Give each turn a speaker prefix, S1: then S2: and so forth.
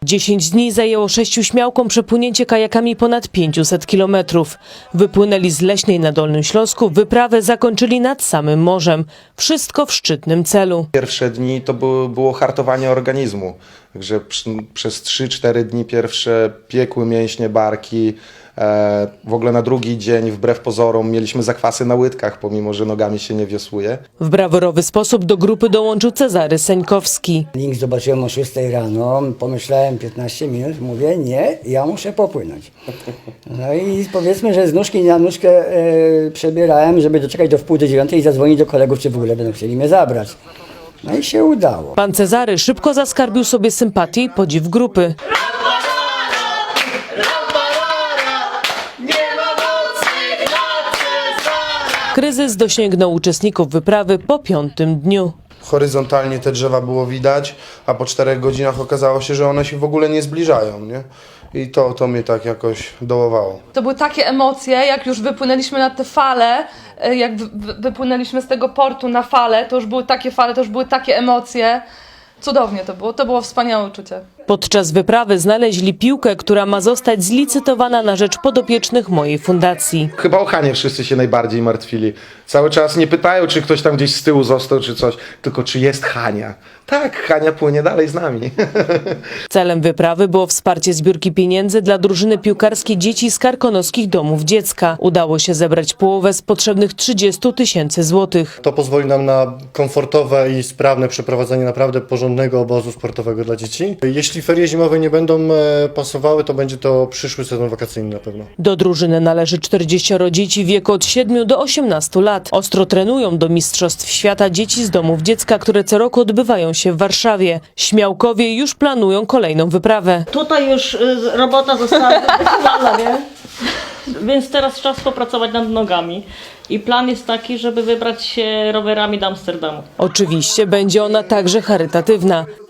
S1: 10 dni zajęło 6 śmiałkom przepłynięcie kajakami ponad 500 kilometrów. Wypłynęli z Leśnej na Dolnym Śląsku, wyprawę zakończyli nad samym morzem. Wszystko w szczytnym celu.
S2: Pierwsze dni to było hartowanie organizmu. Także przez 3-4 dni pierwsze piekły mięśnie, barki. W ogóle na drugi dzień, wbrew pozorom, mieliśmy zakwasy na łydkach, pomimo że nogami się nie wiosłuje.
S1: W brawurowy sposób do grupy dołączył Cezary Seńkowski.
S3: Link zobaczyłem o 6 rano, pomyślałem 15 minut, mówię nie, ja muszę popłynąć. No i powiedzmy, że z nóżki na nóżkę przebierałem, żeby doczekać do wpół do 9 i zadzwonić do kolegów, czy w ogóle będą chcieli mnie zabrać. No i się udało.
S1: Pan Cezary szybko zaskarbił sobie sympatię i podziw grupy. Kryzys dosięgnął uczestników wyprawy po 5. dniu.
S4: Horyzontalnie te drzewa było widać, a po 4 godzinach okazało się, że one się w ogóle nie zbliżają, nie? I to mnie tak jakoś dołowało.
S5: To były takie emocje, jak już wypłynęliśmy na te fale, jak wypłynęliśmy z tego portu na fale, to już były takie fale, to już były takie emocje. Cudownie to było wspaniałe uczucie.
S1: Podczas wyprawy znaleźli piłkę, która ma zostać zlicytowana na rzecz podopiecznych mojej fundacji.
S2: Chyba o Hanie wszyscy się najbardziej martwili. Cały czas nie pytają, czy ktoś tam gdzieś z tyłu został, czy coś, tylko czy jest Hania. Tak, Hania płynie dalej z nami.
S1: Celem wyprawy było wsparcie zbiórki pieniędzy dla drużyny piłkarskiej dzieci z karkonoskich domów dziecka. Udało się zebrać połowę z potrzebnych 30 000 złotych.
S6: To pozwoli nam na komfortowe i sprawne przeprowadzenie naprawdę porządnego obozu sportowego dla dzieci. Jeśli ferie zimowe nie będą pasowały, to będzie to przyszły sezon wakacyjny na pewno.
S1: Do drużyny należy 40 dzieci w wieku od 7 do 18 lat. Ostro trenują do Mistrzostw Świata dzieci z domów dziecka, które co roku odbywają się w Warszawie. Śmiałkowie już planują kolejną wyprawę.
S7: Tutaj już robota została wykonana, nie? Więc teraz czas popracować nad nogami. I plan jest taki, żeby wybrać się rowerami do Amsterdamu.
S1: Oczywiście będzie ona także charytatywna.